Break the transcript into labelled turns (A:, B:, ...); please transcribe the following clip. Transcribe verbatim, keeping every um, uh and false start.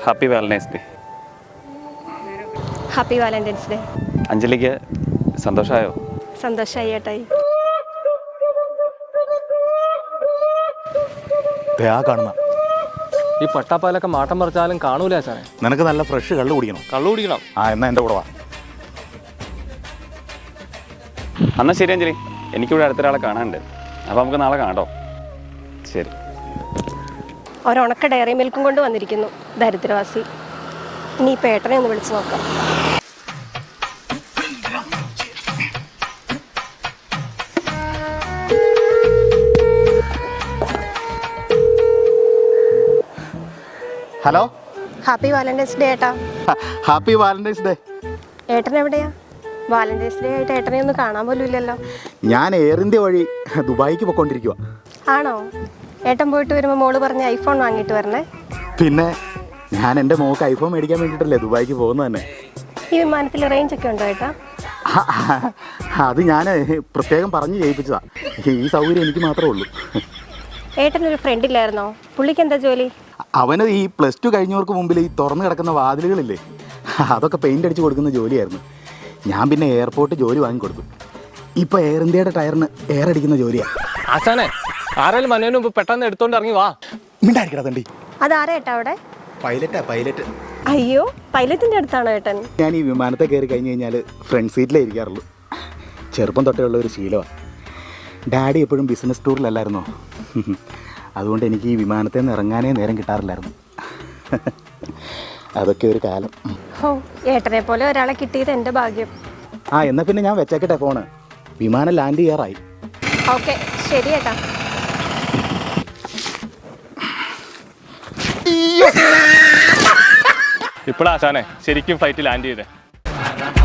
A: Happy valentine's day.
B: Happy valentine's day.
A: അഞ്ജലിക്ക് സന്തോഷമായോ?
B: സന്തോഷമായി ഏട്ടായി.
C: കാണുന്ന
D: ഈ പട്ടാപ്പാലൊക്കെ മാട്ടം പറിച്ചാലും കാണൂല സാറേ.
C: നിനക്ക് നല്ല ഫ്രഷ് കള്ളു കുടിക്കണം.
D: കള്ളു കുടിക്കണം.
C: ആ എന്നാ എൻ്റെ കൂടെ വാ.
A: എന്നാൽ ശരി അഞ്ജലി, എനിക്കിവിടെ അടുത്തൊരാളെ കാണാനുണ്ട്. അപ്പോൾ നമുക്ക് നാളെ കാണാം. ശരി.
B: ഒരണക്ക ഡയറി മിൽക്കും കൊണ്ട് വന്നിരിക്കുന്നു ദരിദ്രവാസി. ഇനി ഇപ്പം ഏട്ടനെ ഒന്ന് വിളിച്ചു നോക്കാം.
C: ഹലോ,
B: ഹാപ്പി വാലന്റൈൻസ് ഡേ ഏട്ടാ.
C: Happy valentine's day.
B: ഏട്ടൻ എവിടെയാ? വാലന്റൈൻസ് ഡേ ആയിട്ട് ഏട്ടനെ ഒന്ന് കാണാൻ പോലും ഇല്ലല്ലോ.
C: ഞാൻ എയർ ഇന്ത്യ വഴി ദുബായിക്ക് പോയിക്കൊണ്ടിരിക്കുക.
B: ആണോ? ഏട്ടൻ പോയിട്ട് വരുമ്പോൾ മോള് പറഞ്ഞ് ഐഫോൺ വാങ്ങിയിട്ട് വരണേ.
C: പിന്നെ ഞാൻ എൻ്റെ മോൾക്ക് ഐഫോൺ മേടിക്കാൻ വേണ്ടിയിട്ടല്ലേ ദുബായിക്ക് പോകുന്നത് തന്നെ.
B: ഈ വിമാനത്തിൽ റേഞ്ച് ഒക്കെ ഉണ്ടോ ഏട്ടാ?
C: അത് ഞാൻ പ്രത്യേകം പറഞ്ഞ് ചെയ്യിപ്പിച്ചതാ. ഈ സൗകര്യം എനിക്ക് മാത്രമേ ഉള്ളൂ.
B: ഏട്ടനൊരു ഫ്രണ്ട് ഇല്ലായിരുന്നോ? പുള്ളിക്ക് എന്താ ജോലി?
C: അവന് ഈ പ്ലസ് ടു കഴിഞ്ഞവർക്ക് മുമ്പിൽ ഈ തുറന്നു കിടക്കുന്ന വാതിലുകളില്ലേ, അതൊക്കെ പെയിൻ്റ് അടിച്ച് കൊടുക്കുന്ന ജോലിയായിരുന്നു. ഞാൻ പിന്നെ എയർപോർട്ട് ജോലി വാങ്ങിക്കൊടുത്തു. ഇപ്പോൾ എയർ ഇന്ത്യയുടെ ടയറിന് എയർ അടിക്കുന്ന ജോലിയാണ്.
D: ആശാനെ, ആരെങ്കിലും മനോന് മുമ്പ് പെട്ടെന്ന് എടുത്തോണ്ട് ഇറങ്ങി വാ.
C: മിണ്ടായിരിക്കടാ തണ്ടി.
B: അതാരാ ഏട്ടാ അവിടെ?
C: പൈലറ്റാ, പൈലറ്റ്.
B: അയ്യോ, പൈലറ്റിൻ്റെ അടുത്താണോ ഏട്ടൻ? ഞാൻ
C: ഈ വിമാനത്തെ കയറി കഴിഞ്ഞ് കഴിഞ്ഞാൽ ഫ്രണ്ട് സീറ്റിലേ ഇരിക്കാറുള്ളൂ. ചെറുപ്പം തൊട്ടേ ഉള്ള ഒരു ശീലമാണ്. ഡാഡി എപ്പോഴും ബിസിനസ് ടൂറിലല്ലായിരുന്നോ, അതുകൊണ്ട് എനിക്ക് ഈ വിമാനത്തിൽ നിന്ന് ഇറങ്ങാനേ നേരം കിട്ടാറില്ലായിരുന്നു. അതൊക്കെ ഒരു കാലം.
B: ഓ, ഏട്ടനെ പോലെ ഒരാളെ കിട്ടിയത് എൻ്റെ ഭാഗ്യം.
C: ആ എന്നാൽ പിന്നെ ഞാൻ വെച്ചേക്കട്ടെ ഫോണ്. വിമാനം ലാൻഡ് ചെയ്യാറായി.
B: ഓക്കെ, ശരി ഏട്ടാ.
D: ഇപ്പോഴാശാനെ ശരിക്കും ഫ്ലൈറ്റ് ലാൻഡ് ചെയ്തേ.